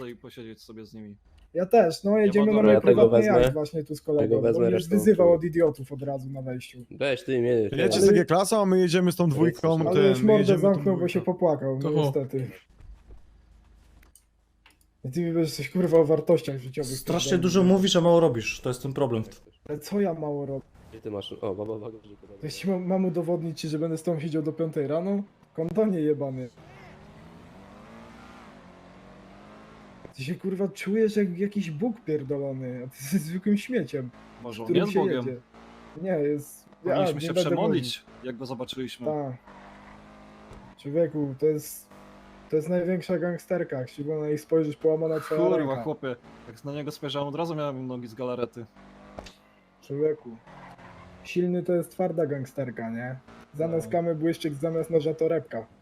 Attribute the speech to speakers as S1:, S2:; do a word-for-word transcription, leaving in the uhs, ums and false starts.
S1: chcę posiedzieć sobie z nimi.
S2: Ja też, no jedziemy
S1: ma
S2: na
S1: dobra,
S2: mój
S3: ja tego
S2: prywatny
S3: wezmę.
S2: jacht właśnie tu z kolegą,
S3: Tego
S2: bo
S3: wezmę,
S2: mnie już
S3: resztą
S2: wyzywał
S3: tu.
S2: od idiotów od razu na wejściu.
S3: Weź ty, mnie.
S4: Jedziecie
S2: Ale-
S4: z G-klasą, a my jedziemy z tą dwójką.
S3: Ale
S2: Ale
S4: ten,
S2: już
S4: my
S2: mordę
S4: jedziemy tą
S2: zamknął, bo się
S4: dwójką.
S2: popłakał, no
S5: Kogo?
S2: niestety. I ty mi będziesz coś kurwa o wartościach życiowych.
S5: Strasznie
S2: pierdolił.
S5: dużo mówisz, a mało robisz. To jest ten problem.
S2: Ale co ja mało robię?
S3: Gdzie ty masz? O, baba, baba, baba.
S2: To jeśli mam, mam udowodnić ci, że będę z tobą siedział do piątej rano? Kondonie jebany. Ty się kurwa czujesz jak jakiś Bóg pierdolony, a ty jesteś zwykłym śmieciem,
S1: Może on
S2: którym
S1: jest
S2: się
S1: Bogiem.
S2: jedzie. Nie, jest... ja
S1: Powinniśmy
S2: nie
S1: się
S2: będę
S1: przemodlić, jak go zobaczyliśmy.
S2: mówił. Tak. Człowieku, to jest... To jest największa gangsterka, jak się na jej spojrzysz, połamana twoja
S1: Kurwa,
S2: ręka.
S1: chłopie. Jak na niego spojrzałem, od razu miałem nogi z galarety.
S2: Człowieku. Silny to jest twarda gangsterka, nie? Zamiast
S1: No.
S2: kamy błyszczyk, zamiast noża torebka.